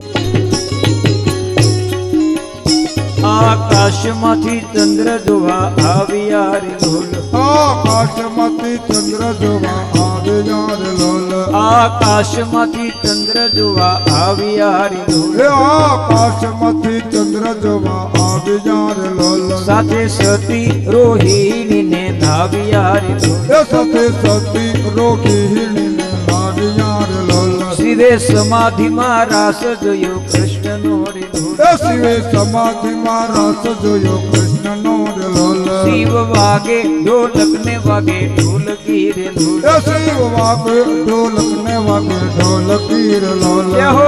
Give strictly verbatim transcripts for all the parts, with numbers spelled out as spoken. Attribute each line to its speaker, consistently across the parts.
Speaker 1: આકાશમાંથી ચંદ્ર જોવા આવ્યા રે લોલ,
Speaker 2: આકાશમાંથી ચંદ્ર જોવા આવ્યા રે લોલ,
Speaker 1: આકાશમાંથી ચંદ્ર જોવા આવ્યા રે લોલ,
Speaker 2: એ આકાશમાંથી ચંદ્ર જોવા આવ્યા રે લોલ,
Speaker 1: સાથે સતી રોહિણીને ધાવ્યા રે લોલ,
Speaker 2: એ સાથે સતી રોહિણીને લાવ્યા રે લોલ,
Speaker 1: શિવે સમાધિમાં રાસ જોયો કૃષ્ણનો રે લોલ,
Speaker 2: એ શિવે સમાધિમાં રસ જોયો કૃષ્ણનો રે લોલ,
Speaker 1: શિવ વાગે ઢોલક ને વાગે ઢોલકી રે લોલ,
Speaker 2: એ શિવ વાગે ઢોલક ને વાગે ઢોલકી રે લોલ,
Speaker 1: જય હો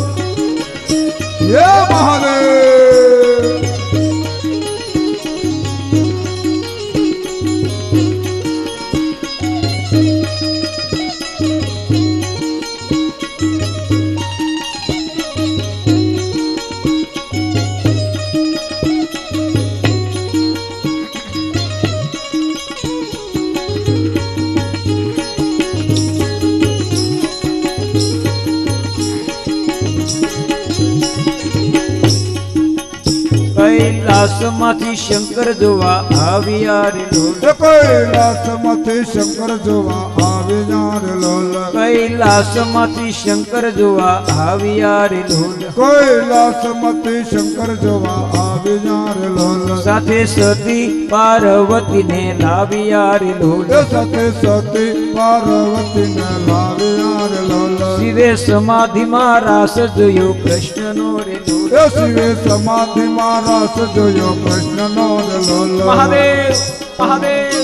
Speaker 2: જય મહાદેવ.
Speaker 1: કૈલાસમાંથી શંકર જોવા આવ્યા રે લોલ,
Speaker 2: એ કૈલાસમાંથી શંકર જોવા આવ્યા રે લોલ,
Speaker 1: કૈલાસમાંથી શંકર જોવા આવ્યા રે લોલ,
Speaker 2: કૈલાસમાંથી શંકર જોવા આવ્યા રે લોલ,
Speaker 1: સાથે સતી પાર્વતીને લાવ્યા રે લોલ,
Speaker 2: એ સાથે સતી પાર્વતીને લાવ્યા રે લોલ,
Speaker 1: શિવે સમાધિમાં રાસ જોયો કૃષ્ણનો રે લોલ,
Speaker 2: એ શિવે સમાધિમાં રસ જોયો કૃષ્ણનો રે લોલ.
Speaker 1: મહાદેવ મહાદેવ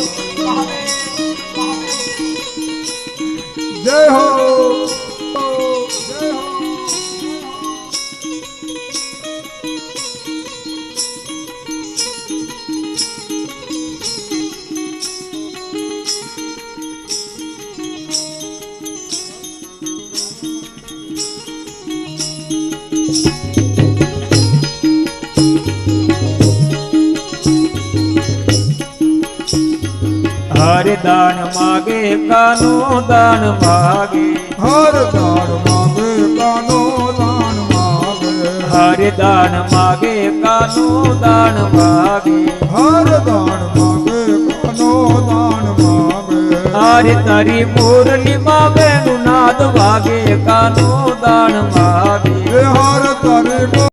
Speaker 2: જય હો જય હો.
Speaker 1: હરે દાન માગે કાનો દાન માગે,
Speaker 2: હર દાન માગે કાનો દાન માગે,
Speaker 1: હરે દાન માગે કાનો દાન માગે,
Speaker 2: હર દાન માગે કાનો દાન માગે,
Speaker 1: હરે તારી મુરલીમાં બેનું નાદ વાગે કાનો દાન માગે.
Speaker 2: હર તારી